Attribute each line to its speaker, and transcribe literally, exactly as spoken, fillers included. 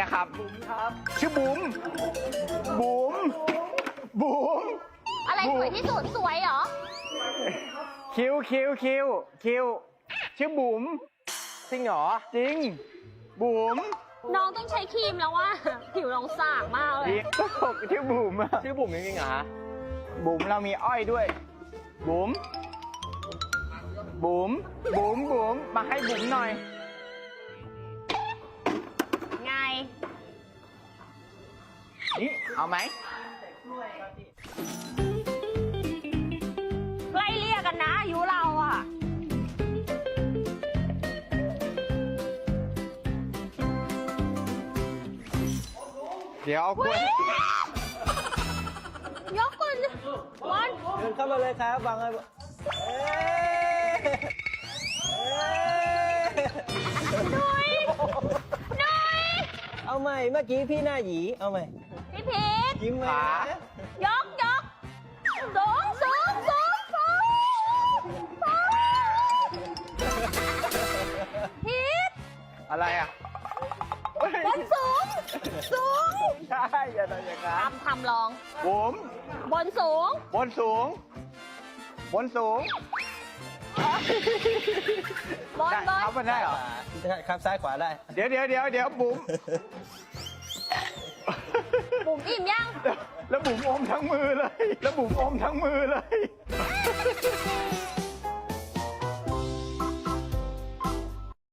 Speaker 1: นะครับ
Speaker 2: บุ๋มครับ
Speaker 1: ชื่อบุ๋มบุ๋มบุ๋ม
Speaker 3: อะไรสวยที่สุดสวยเหรอ
Speaker 1: คิวคิวคิวคิวชื่อบุ๋ม
Speaker 2: จริงเหรอ
Speaker 1: จริงบุ๋ม
Speaker 3: น้องต้องใช้ครีมแล้วว่า ผิวน้องสากมากเลย
Speaker 1: จริงก็บอกชื่อบุ๋มอะ
Speaker 2: ชื่อบุ๋มจริงๆเหรอฮะ
Speaker 1: บุ๋มเรามีอ้อยด้วย บุ๋มบุ๋มบุ๋มบุ๋มมาให้บุ๋มหน่อย
Speaker 3: ไง
Speaker 1: นี่เอาไหม
Speaker 3: ไล่เรียกกันนะอายุเราอ่ะ
Speaker 1: เดี๋ยวเอากล้วย
Speaker 3: ยกก่อนวัน
Speaker 2: เดินเข้ามาเลยครับวางเลยเอ๊ะเอ๊ะ
Speaker 3: หน่อยหน่อย
Speaker 2: เอาใหม่เมื่อกี้พี่หน้าหยีเอาใหม่
Speaker 3: พี่พีท
Speaker 2: ยิ้มไหมนะ
Speaker 3: ยกยกสูงสูงสูงสูงสูงพีท
Speaker 1: อะไรอ่ะ
Speaker 3: บนสูงสูง
Speaker 1: ใช่อย่าทำอย่างนั้น
Speaker 3: ทำทำลอง
Speaker 1: บุ๋ม
Speaker 3: บนสูง
Speaker 1: บนสูง บนสูง
Speaker 3: บนบน
Speaker 1: เอาไปได้เหรอ
Speaker 2: ได้ครับซ้ายขวาได้
Speaker 1: เดี๋ยวเดี๋ยวเดี๋ยวเดี๋ยวบุ๋ม
Speaker 3: บุ๋มอิ่มยัง
Speaker 1: แล้วบุ๋มอมทั้งมือเลย แล้วบุ๋มอมทั้งมือเลย